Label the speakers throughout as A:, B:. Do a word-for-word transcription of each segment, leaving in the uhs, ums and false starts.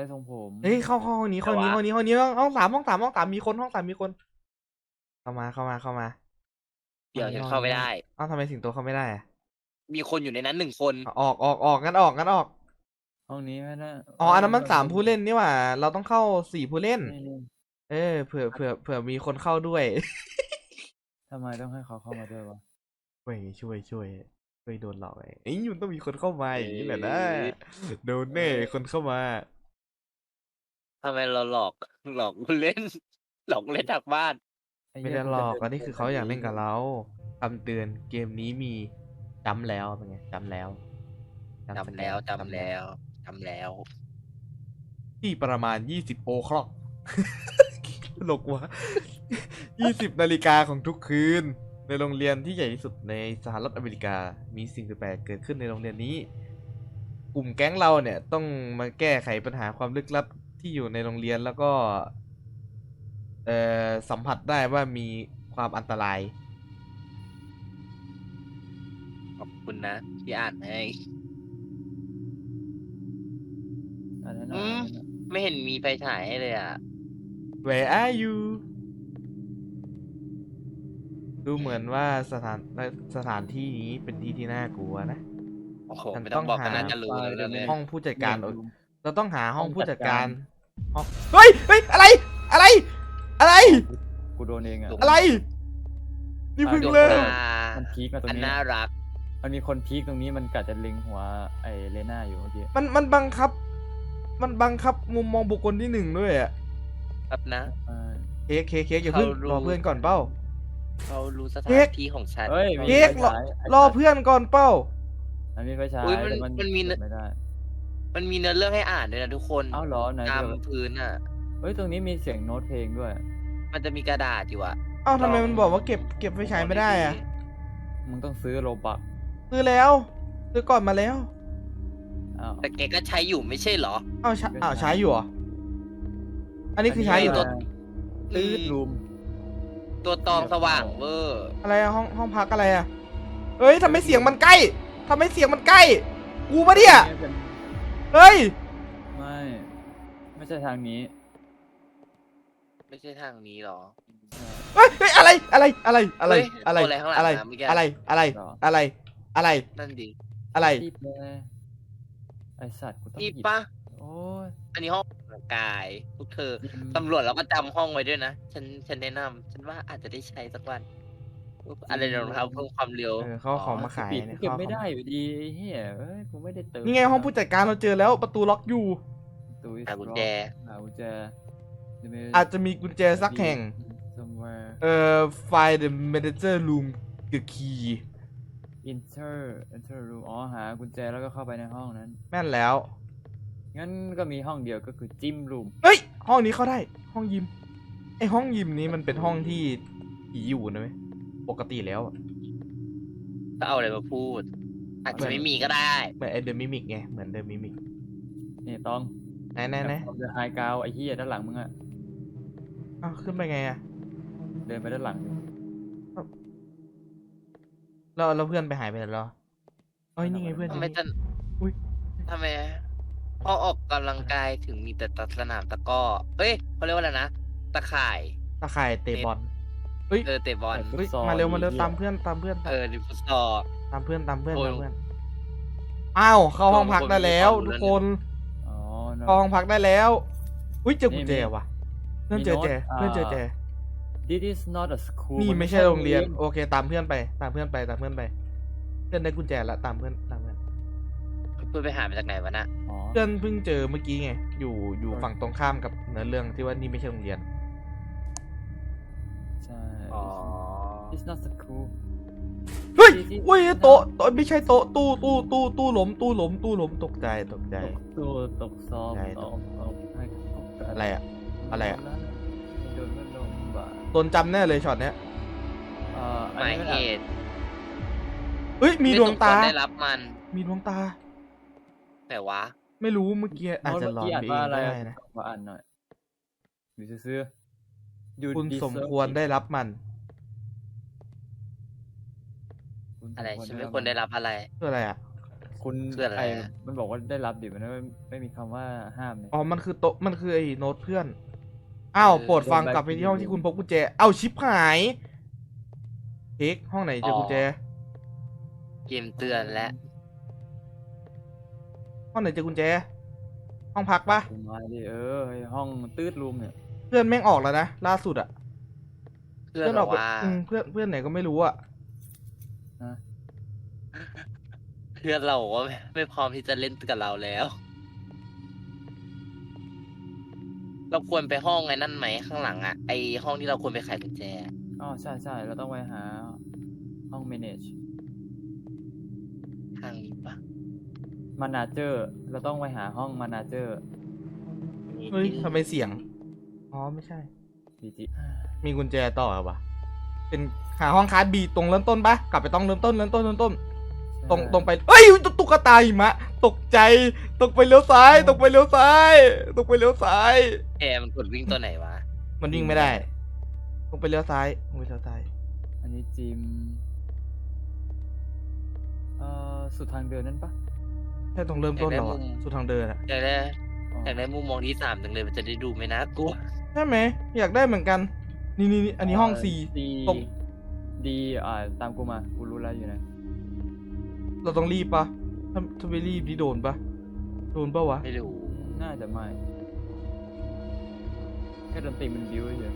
A: ได้ทรงผม
B: เฮ้ยเข้าห้องนี้ห้องนี้ห้องนี้ห้องนี้ห้องสามห้องสามห้องสามมีคนห้องสามมีคน เข้ามาเข้ามาเข้ามา
C: เดี๋ยวฉันเข้าไม่ได้
B: เอ้าทำไมสิงโตเข้าไม่ได้อะ
C: มีคนอยู่ในนั้นหนึ่งคน
B: ออกออกออกงั้นออกงั้นออก
A: ห้องนี้ไม่ได้
B: อ๋ออันนั้นมันสามผู้เล่นนี่หว่า เราต้องเข้าสี่ผู้เล่น
A: นี่นี่
B: เออเผื่อเผื่อเผื่อมีคนเข้าด้วย
A: ทำไมต้องให้เขาเข้ามาด้วยวะ
B: ช่วยช่วยช่วยช่วยโดนหลอกไอ้ไอ้ยมันต้องมีคนเข้ามาอย่างนี้แหละนะโดนแน่คนเข้ามา
C: ทำไมเราหลอกหลอกผู้เล่น หลอกเล่นจากบ้าน
A: อ้
B: ไม่
A: เหี้ย
B: ได้หลอก
A: จะ
B: อันนี้คือเขาอยากเล่นกับเราคำเตือนเกมนี้มีจำแล้วเป็นไงจำแล้ว
C: จำแล้วจำแล้วจำแล้ว
B: ที่ประมาณยี่สิบโอคล็อก ตลกวะยี่สิบนาฬิกาของทุกคืน ในโรงเรียนที่ใหญ่ที่สุดในสหรัฐอเมริกา มีสิ่งแปลกๆเกิดขึ้นในโรงเรียนนี้ กลุ่มแก๊งเราเนี่ยต้องมาแก้ไขปัญหาความลึกลับที่อยู่ในโรงเรียนแล้วก็ เอ่อสัมผัสได้ว่ามีความอันตราย
C: ขอบคุณนะที่อ่านให้
A: อันนั้น
C: อื
A: อะ
C: ม ไม่เห็นมีไฟฉายให้เลยอ่ะ
B: Where are you ดูเหมือนว่าสถานสถานที่นี้เป็นที่ที่น่ากลัวนะ
C: โอ้โห
B: ฉัน
C: ไม่ต้องบอก
B: ต้อง
C: กัน
B: หา
C: น่าจะรู้แล้วเนี่ย
B: ห้องผู้จัดการ
A: เนี่ย
B: เราต้องหาห้อง
A: ห้อง
B: ผู้จัดการ
A: จัดการ
B: ห้องเฮ้ยเฮ้ยอะไร อะไร อะไร
A: กูโดนเองอะ
B: อะไร นี่เพึ่ง
C: ดวง
B: เริ่ม
C: ตา
A: มันพีคมาตรง
C: อัน
A: นี้
C: น่ารัก
A: มันมีคนพีคตรงนี้มันกะจะเล็งหัวไอ้เลน่าอยู่เมื่อกี้
B: มันมันบังคับ มันบังคับมุมมองบุคคลที่หนึ่งด้วยอะ
C: ครับนะ
A: เออ
B: เค้กเค้กเค้กอย่าเพิ่ง
C: เขารู้
B: รอเพื่อนก่อนเป้า
C: เขารู้สถา
B: เค้
C: น
B: ก
C: ที่ของฉัน
A: เฮ้ยมี
B: เค้ก
A: ไฟฉายไ
B: รอเพื่อนก่อนเป้า
A: มันมีไฟฉาย
C: อุ๊ยมัน
A: แต่
C: มันมี
A: เปิดไม่ได้
C: มันมีเนื้อเรื่องให้อ่านด้วยนะทุกคน
A: เอ้าเหรอไหน
C: ตาม
A: เดี๋ยว
C: พื้นอ่ะ
A: เฮ้ยตรงนี้มีเสียงโน้ตเพลงด้วย
C: มันจะมีกระดาษอยู่อ่ะ
B: เอ้าทำไม
C: ลอง
B: มันบอกว่าเก็บเก็บไฟฉายไม่ได้อะ
A: มึงต้องซื้อโลบัก
B: ซื้อแล้วซื้อก่อนมาแล้ว
A: อ้าว
C: แต่แกก็ใช้อยู่ไม่ใช่เหรอ
B: เอ้าใช้อ้าวใช้อยู่เหรอ อันนี้คือใช้อยู่
C: ตัว
A: ตื้อรูม
C: ตัวตองสว่างเวอร์
B: อะไรอะห้องห้องพักอะไรอะเฮ้ยทำไมเสียงมันใกล้ทำไมเสียงมันใกล้ กูปะเนี่ย เฮ้ย
A: ไม่ ไม่ใช่ทางนี้
C: ไม่ใช่ทางนี้หรอ
B: เฮ้ยเฮ้ยอะไร อะไร อะไร อะไร
C: เฮ้ย
B: อะไร
C: ตัวอะไรข้างหลัง
B: อะไร
C: นะเมื่อกี้
B: อะไร อะไร
A: หรอ
B: อะไร อะไร
C: นั่นดิ
B: อะไร
A: รีบเลยไอสัตว์กูต้อง
C: นี่
A: หยิบ
C: ปะ
A: โอ้ย
C: อันนี้ห้องกำลังกายพวกเธอ
A: อืม
C: ตำรวจเราก็จำห้องไว้ด้วยนะ ฉันฉันแนะนำฉันว่าอาจจะได้ใช้สักวันอะไรรองเท้าเพิ่มความเร็ว
B: เออเขาเอาของมาขาย
A: ปิด
B: เนี่ย
A: เก็บ
B: เขาเอา
A: ไม่
B: ของ
A: ได้อยู่ดีไอ้เหี้ยเอ้ยกูไม่ได้เติม
B: นี่ไงห้องผู้จัดการเราเจอแล้วประตูล็อกอยู่
A: ตู้
C: หากุญแจ
A: หากุญแจ
B: อาจจะมีกุญแจสักแห่ง
A: somewhere
B: เอ่อ find the manager room the key
A: enter enter room อ๋อหากุญแจแล้วก็เข้าไปในห้องนั้น
B: แม่นแล้ว
A: งั้นก็มีห้องเดียวก็คือจิมรูม
B: เฮ้ย ห้องนี้เข้าได้ ห้องยิม ไอห้องยิมนี้มันเป็นห้องที่ผีอยู่นะเว้ยปกติแล้วอะ
C: ก็เอาอะไรมาพูด อาจจะไม่มีก็ได้
B: เหมือนไอเดอะมิมิกไง เหมือนเดอะมิมิก
A: นี่ต้อง
B: ไหนไหนไหน
A: เดอะไฮกราวไอ้เหี้ยด้านหลังมึงอะ
B: อ้าวขึ้นไปไงอะ
A: เดินไปด้านหลังดิ
B: แล้วแล้วเพื่อนไปหายไปไหนแล้วเอ้ยนี่ไงเพื่อน
C: ทำไมจะ
B: อุ้ย
C: ทำไมพอออกกำลังกายถึงมีแต่ตัดสนามตะกร้อเอ้ยเขาเรียกว่าอะไรนะ ตะข่าย
B: ตาข่ายเตะบอลเฮ้ย
C: เออเตะบอล
B: เฮ้ยมาเร็วมาเร็วตามเพื่อนตามเพื่อน
C: เออดิฟุตซอล
B: ตามเพื่อนตามเพื่อน
C: โอ้ย
B: ตามเพื่อน อ้าวเข้าห้องพักได้แล้ว
C: โอ้ย
B: ทุกคน
A: อ๋อ no
B: เข้าห้องพักได้แล้ว อุ้ยเจอกุญแจ
A: นี่
B: ว่ะ เพื่อนเจอแจ
A: มีโน้ต
B: เพื่อนเจอแจ
A: this is not a school
B: นี่
A: น
B: ไม่ใช่โรงเรียน โอเคตามเพื่อนไป ตามเพื่อนไปตามเพื่อนไป เพื่อนได้กุญแจแล้วตามเพื่อนตามเพื่อน
C: เพื่อนไปหามาจากไหนวะน่ะ
A: อ๋อ
B: เพื่อนเพิ่งเจอเมื่อกี้ไง อยู่อยู่ฝั่งตรงข้ามกับเนื้อเรื่องที่ว่านี่ไม่ใช่โรงเรียน
A: ใช่
C: อ๋อ
A: it's not school
B: เฮ้ยอุ้ยโต๊ะโต๊ะไม่ใช่โต๊ะตู้ตู้ตู้ตู้หล้มตู้หล้มตู้หล้มตกใจตกใจ
A: ตกตัวตกซอม
B: ใช่
A: ตกตกให้ตก
B: อะไรอะอะไรอะ
A: โดนมันลงบ่า
B: โดนจำแน่เลยช็อตเนี้ย
A: เอ่อ
C: ห
A: อัน
C: มาย
A: นี้มัน
C: เห
A: อาจ
C: ตุ
B: เฮ้ยมีดวงตา
C: ไม่สมควรได้รับมัน
B: มีดวงตา
C: แต่วะ
B: ไม่รู้เมื่อกี้อาจจะหลอน
A: โน้ต
B: ไป
A: เมื่
B: เอ
A: กี้
B: ง
A: นว่าอะไร
B: ก็
A: อะ
B: ได้นะ
A: มาอ่านหน่อยอยู่ซื่อๆ You
B: คุณสม
A: deserve
B: ควร
A: it
B: ได้รับมัน
A: คุณสม
C: อะไร
A: คว
C: ฉันไม่ควรได้รับอะไร
B: คืออะไรอ่ะ
A: คุณ
C: คืออะไร
A: ไอ
C: อะ
A: มันบอกว่าได้รับดิมันไม่ไม่มีคำว่าห้ามเนี่ย
B: อ๋อ มันคือโต๊ะ มันคือไอ้โน้ตเพื่อน อ้าว โปรดฟังกลับไปที่ห้องที่คุณพบกุญแจ เอ้าชิปหายเค้กห้องไหนเจอกุญแจ
C: เกมเตือนและ
B: ห้องไหนเจอกุญแจ ห้องพักปะ
A: คุณมาดิเออไอ้ห้องตืดรูมเนี่ย
B: เพื่อนแม่งออกแล้วนะ ล่าสุดอะ
C: เพื่อน
B: อ
C: บอก
B: อกไป
C: ว่า
B: อืมเพื่อนเพื่อนไหนก็ไม่รู้อะ
A: นะ
C: เพื่อนเราบอกว่าไม่ไม่พร้อมที่จะเล่นกับเราแล้ว เราควรไปห้องไอ้นั่นไหมข้างหลังอะไอห้องที่เราควรไปไขกุญแจ
A: อ๋อใช่ใช่เราต้องไปหาห้อง manage
C: ทางนี้ปะ
A: manager เราต้องไปหาห้อง manager
B: เฮ้ยทำไมเสียง อ๋อ ไม่ใช่
A: ดีจี
B: มีกุญแจต่อเหรอวะเป็นหาห้องคลาสบีตรงเริ่มต้นปะกลับไปต้องเริ่มต้นเริ่มต้นเริ่มต้น ตรงตรงไปเอ้ยตุ๊กตาหิมะ ตกใจ ตกไปเลี้ยวซ้าย ตกไปเลี้ยวซ้าย ตกไปเลี้ยวซ้าย
C: แกมันกดวิ่งตัวไหนวะ
B: มันวิ่งไม่ได้ ตกไปเลี้ยวซ้ายตกไปเลี้ยวซ้าย
A: อันนี้จิมเอ่อสุดทางเดินนั่นปะ
B: ใช่ตรงเริ่มต้นเหรอวะสุดทางเดินอะ
C: อยากได้
A: อ๋อ
C: อยากได้มุมมองที่สามจังเลยมันจะได้ดูไม่น่ากลัว
B: ใช่ไหม อยากได้เหมือนกัน นี่นี่นี่อันนี้ห้องสี่
A: ดี
B: ตรง
A: ดีอ่าตามกูมากูรู้แล้วอยู่ไหน
B: เราต้องรีบปะถ้าถ้าไม่รีบนี่โดนปะโดนปะวะ
C: ไม่รู้
A: น่าจะไม่แค่ดนตรีมันบิ้วเฉย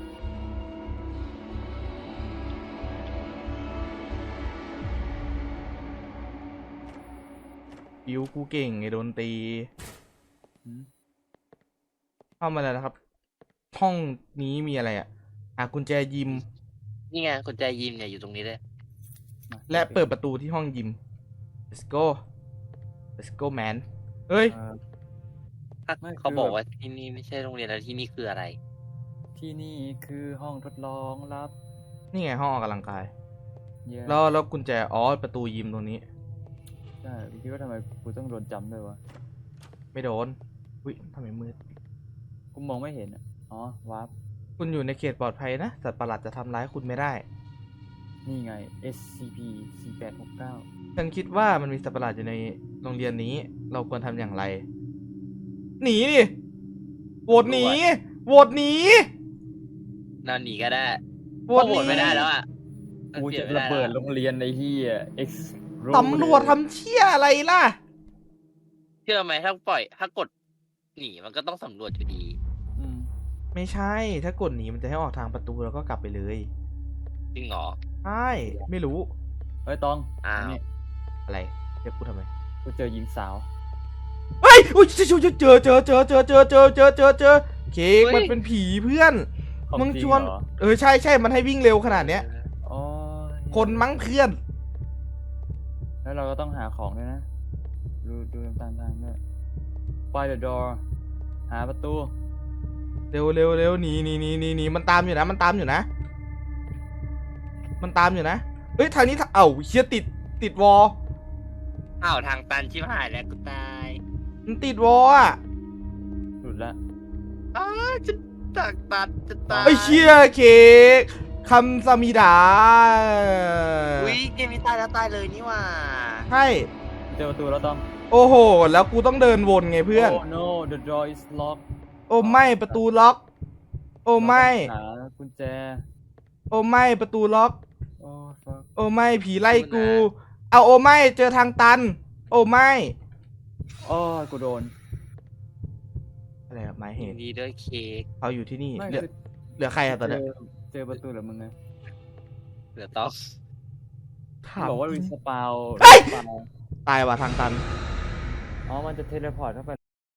B: บิวกูเก่งไงโดนตี
A: หืม
B: เข้ามาแล้วนะครับ ห้องนี้มีอะไรอะหากุญแจยิม
C: นี่ไงกุญแจยิมเนี่ยอยู่ตรงนี้เลย
A: มา
B: และเปิดประตูที่ห้องยิม let's go let's go man เฮ้ย
A: เอ่อ
C: ถ้า
A: ไม่
C: เขา
A: คือ
C: บอก
A: แบบ
C: ว่าที่นี่ไม่ใช่โรงเรียนแล้วที่นี่คืออะไร
A: ที่นี่คือห้องทดลองลับ
B: นี่ไงห้องออกกำลังกาย
A: เย้
B: แล้วแล้วกุญแจ อ๋อ ประตูยิมตรงนี้
A: ใช่พี่คิดว่าทำไมกูต้องโดนจำด้วยวะ
B: ไม่โดน อุ้ยทำไมมืด
A: กูมองไม่เห็นอ่ะอ๋อวาร์ป
B: คุณอยู่ในเขตปลอดภัยนะ สัตว์ประหลาดจะทำร้ายคุณไม่ได้
A: นี่ไง เอส ซี พี สี่แปดหกเก้า
B: ฉันคิดว่ามันมีสัตว์ประหลาดอยู่ในโรงเรียนนี้ เราควรทำอย่างไร หนีดิโหวตหนีโหวตหนี
C: นอนหนีก็ได้
B: โหว
C: ก็
B: ต
C: โห
B: ห
C: ว
B: นี
C: ตไม่ได้แล้วอ่ะ
A: กู
C: เปลี่
A: จะ
C: ยนไม่
A: ระ
C: ได้
A: เบิด
C: แล้ว
A: โรงเรียนในที่อ่ะ X
B: ตำรวจทำเชี่ยอะไรล่ะ
C: เชื่อไหมถ้าปล่อย ถ้ากดหนีมันก็ต้องสำรวจอยู่ดี
A: อืม
B: ไม่ใช่ ถ้ากดหนีมันจะให้ออกทางประตูแล้วก็กลับไปเลย
C: จริงเหรอ
B: ใช่ ไม่รู้
A: เฮ้ยตอง
C: อ้าว
A: นี่
B: อะไรเรียกกูทำไม
A: กูเจอหญิงสาว
B: เฮ้ยอุ้ยเจอเจอเจอเจอเจอเจอเจอเจอเจอเจอเจอเค้กมันเป็นผีเพื่อน
A: ของ
B: มึง
A: จริ
B: ชวน
A: เหรอ
B: เออใช่ใช่มันให้วิ่งเร็วขนาดเนี้ย
A: อ๋อ
B: คนมั้งเพื่อน
A: แล้วเราก็ต้องหาของด้วยนะ ดูดูตามทางด้วย Find the door หาประตู
B: เร็วเร็วเร็วหนีหนีหนีหนีหนีมันตามอยู่นะ มันตามอยู่นะ มันตามอยู่นะ เฮ้ยทางนี้ทางเอ้าเชี่ยติดติดวอล
C: อ้าวทางตันชิบหายแล้วกูตาย
B: มันติดวอลอ่ะ
A: หลุดละ
C: อ้าจะตักตัดจะตาย
B: ไอ้เชี่ยเค้กคำสมิดา
C: อุ้ยเกมนี้ตายแล้วตายเลยนี่หว่า
B: ใช่
A: เจอประตูแล้วต้อง
B: โอ้โห แล้วกูต้องเดินวนไงเพื่อน
A: Oh no the door is locked
B: โอ้ไม่ประตูล็อก โอ้ไม่
A: หากุญแจ
B: โอ้ไม่ประตูล็อก
A: โอ้ fuck
B: โอ้ไม่ผีไล่กู เอาโอ้ไม่เจอทางตัน โอ้ไม่
A: โอ้ยกูโดน
B: อะไรอะหมายเห
C: ยิน
B: ตุ
C: ดีด้วยเค้ก
B: เขาอยู่ที่นี่
A: ไม่
B: เหลือ
A: คือ
B: เหลือใครอะตอน
A: เจ
B: เนี้ย
A: อเจอประตูเหรือมึงไง
C: เหลือต้อง
B: ถาม
A: บอกว่ารีสปาว
B: เฮ้ย
A: รีสปาว
B: ตายว่ะทางตัน
A: อ๋อ มันจะเทเลพอร์ตเข้าไป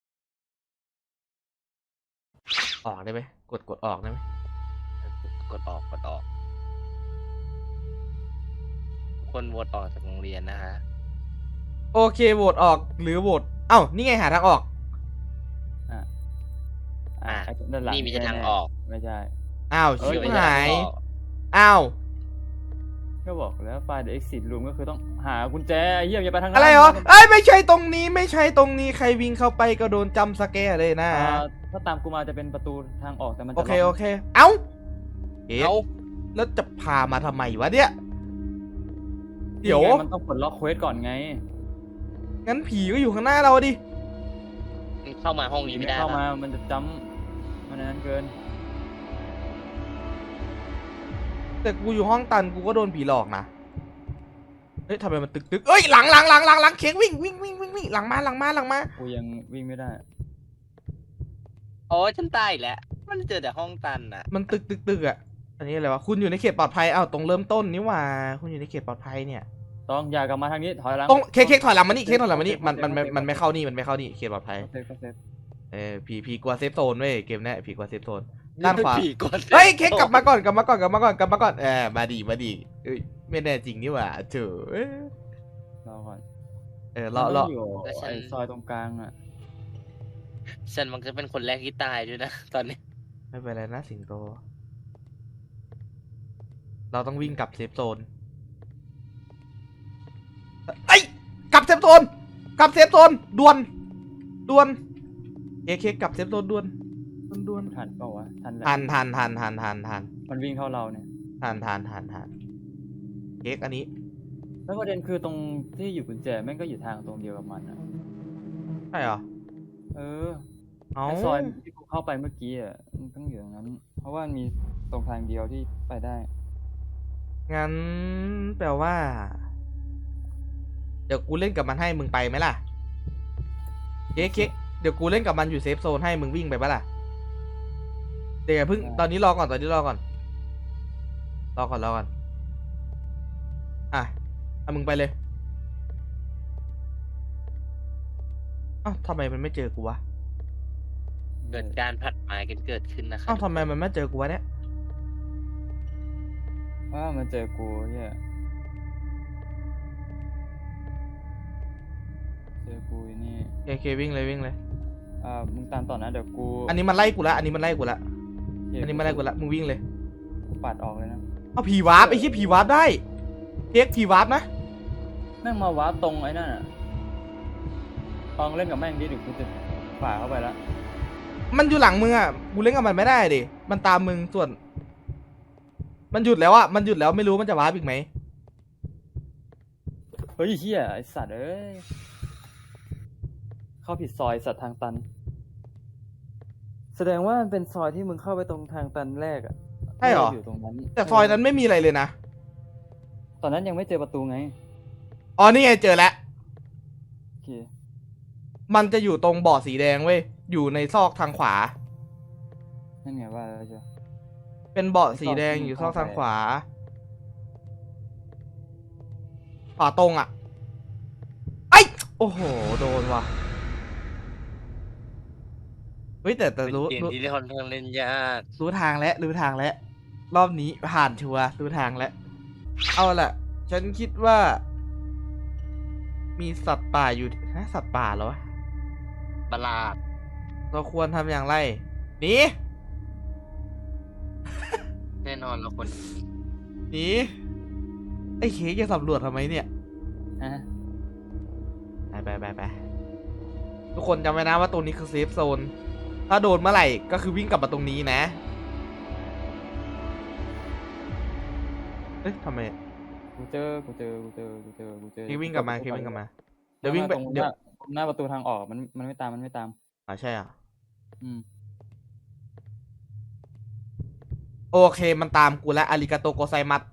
B: ออกได้ไหมกดกดออกได้ไหม
C: กดออกกดออกคนโหวตออกจากโรงเรียนนะฮะ
B: โอเคโหวตออกหรือโหวตเอ้านี่ไงหาทางออก
A: อ่ะ
C: อ่ะ
A: ไอ้ด้านหลัง
C: นี่มีแต่ทางออก
A: ไม่ใช่
B: อ้าว
A: เอ้ย
B: ชิบ
C: ไม่ใช่
B: หาย
C: ทางออก
B: อ้าว
A: ก็บอกแล้วไฟล์ the exit room ก็คือต้องหากุญแจไอ้เหี้ยอย่าไปทางนั้น
B: อะไรเหรอเอ้ยไม่ใช่ตรงนี้ไม่ใช่ตรงนี้ใครวิ่งเข้าไปก็โดนจำสแกร์เลยนะ
A: อ่าถ้าตามกูมาจะเป็นประตูทางออกแต่มันจะ
B: โอเค
A: ล็
B: โอก เค เอ้าเอ๊ะ
C: เอา
B: แล้วจะพามาทำไมวะเนี่ย เดี๋ยว
A: นี่ไงมันต้องปลดล็อกเควสก่อนไง
B: งั้นผีก็อยู่ข้างหน้าเราดิ
C: มันเข้ามาห้องนี้ไม่ได้
A: เข้ามา
C: ปะ
A: มันจะจำมันนั้นเกิน
B: แต่กูอยู่ห้องตันกูก็โดนผีหลอกนะเฮ้ยทำไมมันตึกตึกเอ้ยหลังหลังหลังหลังหลังเค้กวิ่งวิ่งวิ่งวิ่งวิ่งหลังมาหลังมาหลังมา
A: กูยังวิ่งไม่ได้
C: โอ้ยฉันตายอีกแล้วมันเจอแต่ห้องตันอ่ะ
B: มันตึกตึกตึกอ่ะอันนี้อะไรวะคุณอยู่ในเขตปลอดภัยอ้าวตรงเริ่มต้นนี่หว่าคุณอยู่ในเขตปลอดภัยเนี่ย
A: ต้องอย่ากลับมาทางนี้ถอยหลัง
B: ตรงเค้กเค้กถอยหลังมานี่เค้กถอยหลังมานี่มันมันมันมันไม่เข้านี่มันไม่เข้านี่เขตปลอดภัย
A: เซฟก็เซฟ
B: เออผีผีกลัวเซฟโซนเว้ยเกมเนี้ยผีกลัวเซฟโซน ด้านขวา
C: ผีกด
B: เฮ้ยเค้กกลับมาก่อนกลับมาก่อนกลับมาก่อนกลับมาก่อนเออมาดีมาดีเอ้ยไม่แน่จริงนี่หว่าเถอะเอ้ย
A: รอก่อน
B: เออรอรอ
A: มันอยู่ไอ้ซอยตรงกลางอ่ะ
C: ฉันมันจะเป็นคนแรกที่ตายด้วยนะตอนนี้
B: ไม่เป็นไรนะสิงโต เราต้องวิ่งกลับเซฟโซนไอ้ยกลับเซฟโซนกลับเซฟโซนด่วนด่วนเค้กเค้กกลับเซฟโซนด่วนด่วนด่วน
A: ทันเปล่าวะทันแหละ
B: ทันทันทันทันทันทัน
A: มันวิ่งเข้าเราเนี่ย
B: ทันทันทันทันเค้กอันนี้
A: แล้วประเด็นคือตรงที่อยู่กุญแจแม่งก็อยู่ทางตรงเดียวกับมันอ่ะ
B: ใช่เหรอ
A: เออ
B: เอา
A: ไอ้ซอยที่กูเข้าไปเมื่อกี้อ่ะมันต้องอยู่ตรงนั้น เพราะว่ามันมีตรงทางเดียวที่ไปได้
B: งั้นแปลว่า เดี๋ยวกูเล่นกับมันให้มึงไปไหมล่ะเค้กเค้กเดี๋ยวกูเล่นกับมันอยู่เซฟโซนให้มึงวิ่งไปปะล่ะเดี๋ยวอย่าเพิ่ง
A: ได้
B: ตอนนี้รอก่อนตอนนี้รอก่อนรอก่อนรอก่อนอ่ะเอามึงไปเลยเอ้าทำไมมันไม่เจอกูวะ
C: เกิดการผัดหมายกันเกิดขึ้นนะครั
B: เอ้าทำไมมันไม่เจอกูวะเนี่ย
A: ว่ามันเจอกูเฮียเจอกูอยู่นี่
B: เคเควิ่งเลยวิ่งเลย
A: อ่ามึงตามต่อนะเดี๋ยวกู
B: อันนี้มันไล่กูละอันนี้มันไล่กูละ
A: เหี้ย
B: อันนี้มันไล่กูละมึงวิ่งเลย
A: กูปัดออกเลยนะ
B: เอาผีวาร์ปไอ้เหี้ยผีวาร์ปได้เค้กผีวาร์ปนะ
A: แม่งมาวาร์ปตรงไอ้นั่นอ่ะตองเล่นกับแม่งดิเดี๋ยวกูจะฝ่าเข้าไปแล้ว
B: มันอยู่หลังมึงอ่ะกูเล่นกับมันไม่ได้ดิมันตามมึงส่วน มันหยุดแล้วอ่ะมันหยุดแล้วไม่รู้มันจะวาร์ปอีกไหม
A: เฮ้ยเฮียไอสัตว์เอ้ยเข้าผิดซอยสัตว์ทางตัน แสดงว่ามันเป็นซอยที่มึงเข้าไปตรงทางตันแรกอ่ะ
B: ใช่เหรอ
A: อยู่ตรงนั้น
B: แต่ซอยนั้นไม่มีอะไรเลยนะ
A: ตอนนั้นยังไม่เจอประตูไง
B: อ๋อนี่ไงเจอแล้ว
A: โอเค
B: มันจะอยู่ตรงบ่อสีแดงเว้ยอยู่ในซอกทางขวา
A: นั่นไงว่าแล้วจ้ะ
B: เป็นเบาะสีแดงอยู่ซอกทางขวา ขวาตรงอ่ะไอ้โอ้โหโดนว่ะเฮ้ยแต่แต่
C: เป็น
B: รู้
C: เกม
B: รู้
C: ที่ค่อนข้างเล่นยาก
B: รู้ทางแล้วรู้ทางแล้วรอบนี้ผ่านชัวร์รู้ทางแล้วเอาล่ะ ฉันคิดว่า มีสัตว์ป่าอยู่นะสัตว์ป่าเหรอวะ
C: ประหลาด
B: เราควรทำอย่างไรหนี
C: แน่นอนเราคน
B: หนีไอ้เค้กจะสำรวจทำไมเนี่ย
A: ฮะ
B: ไปไปไปไปทุกคนจำไว้นะว่าตรงนี้คือเซฟโซน ถ้าโดนเมื่อไหร่ก็คือวิ่งกลับมาตรงนี้นะ เอ๊ะทำไม
A: กูเจอกูเจอกูเจอกูเจอกูเจอ
B: เค้กวิ่งกลับมาเค้กวิ่งกลับมา เดี๋ยววิ่งไป
A: ตรงห
B: เดี๋ยว
A: น้าหน้าประตูทางออกมันมันไม่ตามมันไม่ตาม
B: อ๋อใช่อ่ะ
A: อืม
B: โอเคมันตามกูแล้วอาริกาโตโกไซมัส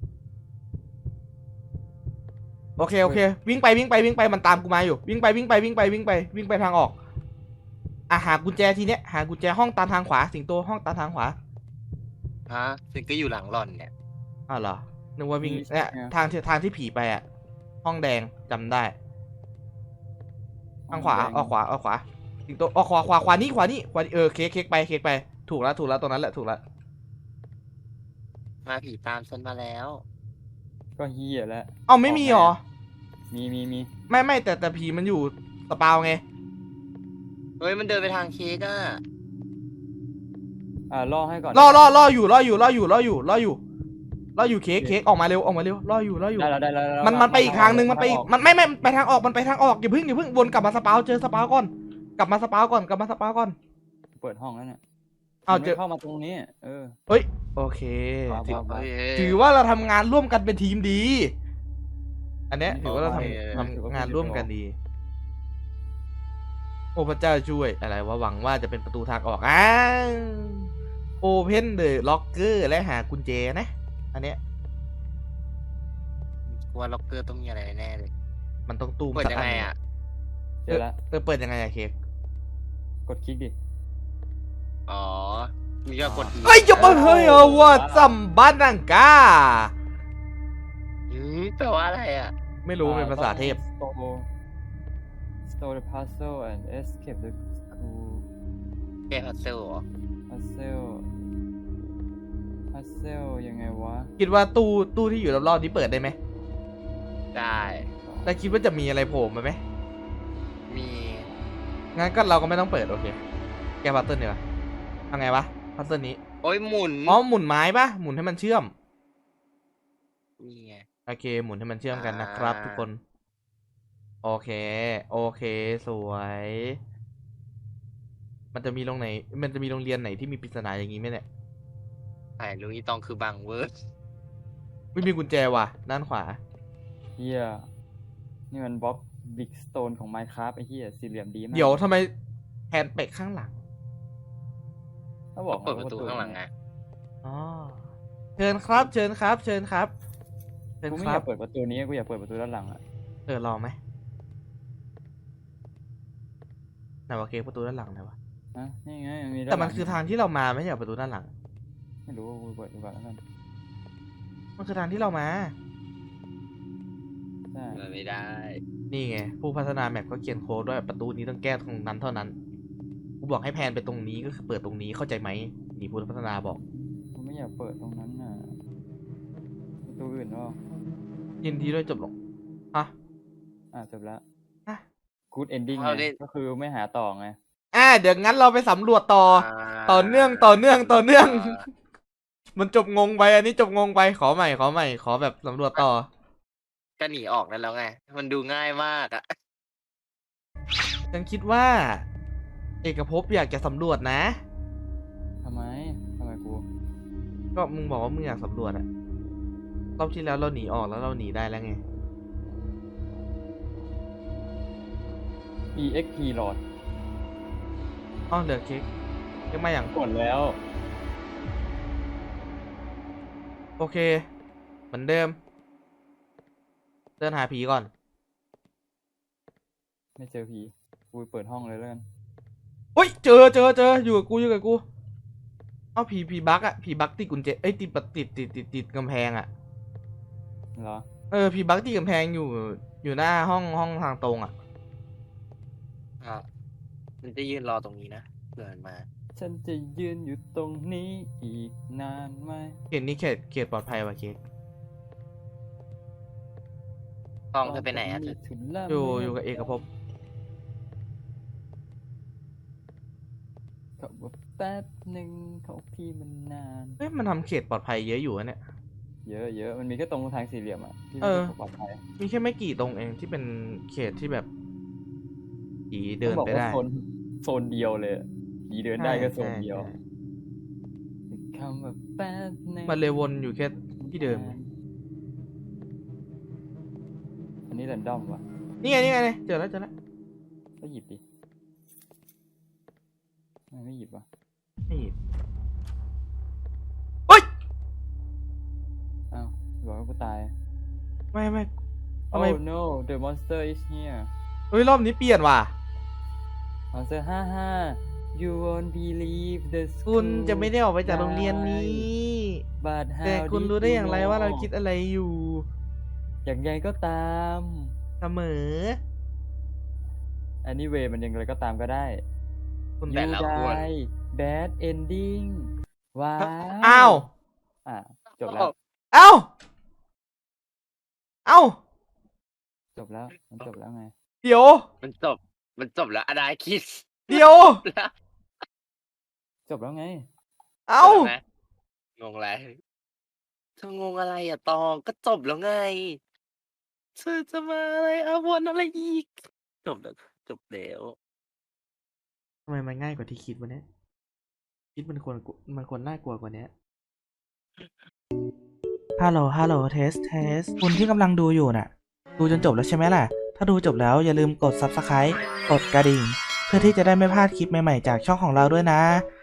B: โอเคโอเค วิ่งไปวิ่งไปวิ่งไปมันตามกูมาอยู่ วิ่งไปวิ่งไปวิ่งไปวิ่งไปวิ่งไปทางออกอ่ะหากุญแจทีเนี้ยหากุญแจห้องตามทางขวาสิงโตห้องตามทางขวา
C: ฮะซึ่งก็อยู่หลังหล่อนเนี่ย
B: อ้าวเหรอนึกว่าวิ่งเนี่ยทางที่ทางที่ผีไปอ่ะ ห้องแดงจำได้ทางขวาออกขวาออกขวาสิงโตออกขวาขวาขวานี่ขวานี่ขวานี่เออเค้กเค้กไปเค้กไปถูกแล้วถูกแล้วตรงนั้นแหละถูกแล้ว
C: มาผีตามฉันมาแล้ว
A: ก็เฮียแล้ว
B: เอ้าไม่มีหรอ
A: มีมีมี
B: ไม่ไม่แต่แต่ผีมันอยู่สปาวไง
C: เฮ้ยมันเดินไปทางเค้กอ่ะ
A: อ่าล่อให้ก่อน
B: ล่อล่อล่ออยู่ล่ออยู่ล่ออยู่ล่ออยู่ล่ออยู่ล่ออยู่เค้กเค้กออกมาเร็วออกมาเร็วล่ออยู่ล่ออยู่
A: ได้แล้วได้แล้วได้แล้ว
B: มันมันไปอีกทางหนึ่งมันไปอีกมันไม่ไม่มันไปทางออกมันไปทางออกอย่าเพิ่งอย่าเพิ่งวนกลับมาสปาวเจอสปาวก่อนกลับมาสปาวก่อนกลับมาสปาวก่อน
A: เปิดห้องแล้วเนี่ย
B: เอาเจอ
A: ไม่เข้ามาตรงนี้เออ
B: เฮ้ยโอเค
A: ว้าว
B: ถือ
C: เฮ้ย
B: ถือว่าเราทำงานร่วมกันเป็นทีมดี อันเนี้ยถือว่าเราทำ
C: โอเค
B: ทำงานร่วมกันดีโอ้พระเจ้าช่วยอะไรวะหวังว่าจะเป็นประตูทางออกอ้าวโอเพนเดอะล็อกเกอร์และหากุญแจนะ อันเนี้ย
C: กลัวล็อกเกอร์ต้องมีอะไรแน่เลย
B: มันต้องตู้ม
C: เปิด
B: สัก
C: ยัง
B: อัน
C: ไง
B: หนึ่ง
C: อ่ะ
A: เจอละ
B: เออเปิดยังไงอะเค้ก
A: กดคลิกดิ
C: อ๋อ มีก็กด E
B: เอ้ยยกมาเฮ้ยเอาว่าซัมบันนังกา
C: อืมแปลว่าอะไรอ่ะ
B: ไม่รู้เป็นภาษาเทพ
A: ต้อง store store the puzzle and escape the school
C: แกพัซเซิลเหรอ
A: puzzle puzzle ยังไงวะ
B: คิดว่าตู้ตู้ที่อยู่รอบๆนี้เปิดได้ไหม
C: ได้
B: แล้วคิดว่าจะมีอะไรโผล่มาไหม
C: มี
B: งั้นก็เราก็ไม่ต้องเปิดโอเค แกพัซเซิลเนี่ยวะทำไงวะพัซเซิลนี้
C: โอ้ยหมุน
B: อ๋อหมุนไม้ปะหมุนให้มันเชื่อม
C: นี่ไง
B: โอเค หมุนให้มันเชื่อมกันนะครับ
C: อ่า
B: ทุกคน โอเค โอเค สวย มันจะมีโรงไหน มันจะมีโรงเรียนไหนที่มีปริศนาอย่างนี้ไหมเนี่ย
C: ไอ้ลุงอีตองคือบางเวิร์ด
B: ไม่มีกุญแจว่ะ ด้านขวา
A: เฮียนี่มันบล็อกบิ๊กสโตนของ Minecraft ไอ้เฮียสี่เหลี่ยมดีมาก
B: เดี๋ยวทำไมแฮนด์เปกข้างหลัง
A: ถ้าบอก
C: เปิดประตูข้างหลังไง
B: อ๋อ เชิญครับ เชิญครับ เชิญครับ เชิญ
A: กูไม่
B: ค
A: อ
B: รั
A: ยา
B: บ
A: กเปิดประตูนี้กูอยากเปิดประตูด้านหลังอะ
B: เออลองไหมไหนวะเค้กประตูด้านหลังไหนวะ
A: ฮะนี่ไงมีด้า
B: แต่
A: หลั
B: มันคือทางที่เรามาไม่ใช่เหรอประตูด้านหลัง
A: ไม่รู้กูเปิดดูก่อนแล้วกัน
B: มันคือทางที่เรามา
A: ใช่
C: เปิดไม่ได้
B: นี่ไง ผู้พัฒนาแมปก็เขียนโค้ดด้วยประตูนี้ต้องแก้ตรงนั้นเท่านั้น กูบอกให้แพนไปตรงนี้ก็คือเปิดตรงนี้เข้าใจไหมนี่ผู้พัฒนาบอก
A: กูไม่อยากเปิดตรงนั้นน่ะประตูอื่นก็
B: ยินดีด้วยจบลงฮะ
A: อ่ะจบแล้ว
B: อ่ะ
A: good ending
C: เอา
A: ไง
C: ดิ
A: ก็คือไม่หาต่อไง
B: อ่ะเดี๋ยวงั้นเราไปสำรวจต่อ
C: า
B: ต่อเนื่องต่อเนื่องต่อเนื่อง
C: า
B: มันจบงงไปอันนี้จบงงไปขอใหม่ขอใหม่ขอแบบสำรวจต่อ
C: ก็หนีออกนั่นแล้วไง มันดูง่ายมากอ่ะ
B: ฉันคิดว่า เอกภพอยากจะสำรวจนะ
A: ทำไมทำไมกู
B: ก็มึงบอกว่ามึงอยากสำรวจอะรอบที่แล้วเราหนีออกแล้วเราหนีได้แล้วไง
A: exp หลอด
B: อ้อเหลือเค้กยังมาอย่าง
A: กดแล้ว
B: โอเค เหมือนเดิม เดินหาผีก่อน
A: ไม่เจอผีกูเปิดห้องเลยแล้วกัน
B: เฮ้ยเจอเจอเจออยู่กับกูอยู่กับกู เอาผีผีบั๊กอะผีบั๊กติดกุญแจเอ้ยติดติดติดติดติดกำแพงอะ
A: เหรอ
B: เออผีบั๊กติดกำแพงอยู่อยู่หน้าห้องห้องทางตรงอะ
C: อ่ะมันจะยืนรอตรงนี้นะเดินมา
A: ฉันจะยืนอยู่ตรงนี้อีกนานไหม
B: เขตนี้เขตเขตปลอดภัยว่ะเค้ก
C: ห้องเธอไปไหนอ่ะเธอ
A: ถึงละ
B: อยู่อยู่กับเอกภพ
A: เขาบอกแป๊บหนึ่งของพี่มันนาน
B: เฮ้ยมันทำเขตปลอดภัยเยอะอยู่อะเนี่ย
A: เยอะเยอะมันมีแค่ตรงทางสี่เหลี่ยมอ่ะที่
B: เอ
A: ไม่
B: อ
A: ใช่ปลอดภัย
B: มีแค่ไม่กี่ตรงเองที่เป็นเขตที่แบบผีเดิน
A: ต้องบอก
B: ไป
A: ว่า
B: ได้
A: โซนโซนเดียวเลยอะผีเดินได้ก็โซน
B: ใช่
A: เดียว
B: ใช่
A: คำว่าแป๊บหนึ่ง
B: มันเลยวนอยู่แค่ที่เดิม
A: อันนี้แรนดอมว่ะ
B: นี่ไงนี่ไงเจอแล้วเจอแล้ว
A: ก็หยิบดิทำไมไม่หยิบวะ
B: นี่เฮ้ย
A: อ้าวบอกว่ากูตาย
B: ไม่ไม่ทำไม
A: Oh no the monster is here
B: เฮ้ยรอบนี้เปลี่ยนว่ะ
A: monster ฮ่าฮ่า you won't believe the
B: คุณ
A: school
B: จะไม่ได้ออกไปจากโรงเรียนนี้
A: but
B: แต่
A: how
B: คุณ
A: did
B: รู้ได้
A: you
B: อย่างไรว่าเรา
A: know?
B: คิดอะไรอยู่
A: อย่างไงก็ตาม
B: เสมอ
A: anyway มันยังไงก็ตามก็ได้
B: คุณ
C: แต่
A: you
C: ละคน
A: die bad ending ว้าว
B: อ้าว
A: อ่ะจบแล้ว
B: เอ้าเอ้า
A: จบแล้ว มันจบแล้วไง
B: เดี๋ยว
C: มันจบ มันจบแล้วอนาคิด
B: เดี๋ยว
C: แล้ว
A: จบแล้วไง
B: เอ้า
C: จบแล้วไหมงงอะไรเธองงอะไรอ่ะตองก็จบแล้วไงเธอจะมาอะไรอาวรณ์อะไรอีก จบแล้วจบแล้ว
B: ทำไมมันง่ายกว่าที่คิดวะเนี่ยคิดมันควรกลัวมันควรน่ากลัวกว่านี้ฮัลโหลฮัลโหลเทสเทสคุณที่กำลังดูอยู่น่ะ ดูจนจบแล้วใช่ไหมล่ะ ถ้าดูจบแล้วอย่าลืมกด ซับสไครบ์ กดกระดิ่ง
D: เพื่อที่จะได้ไม่พลาดคลิปใหม่ๆจากช่องของเราด้วยนะ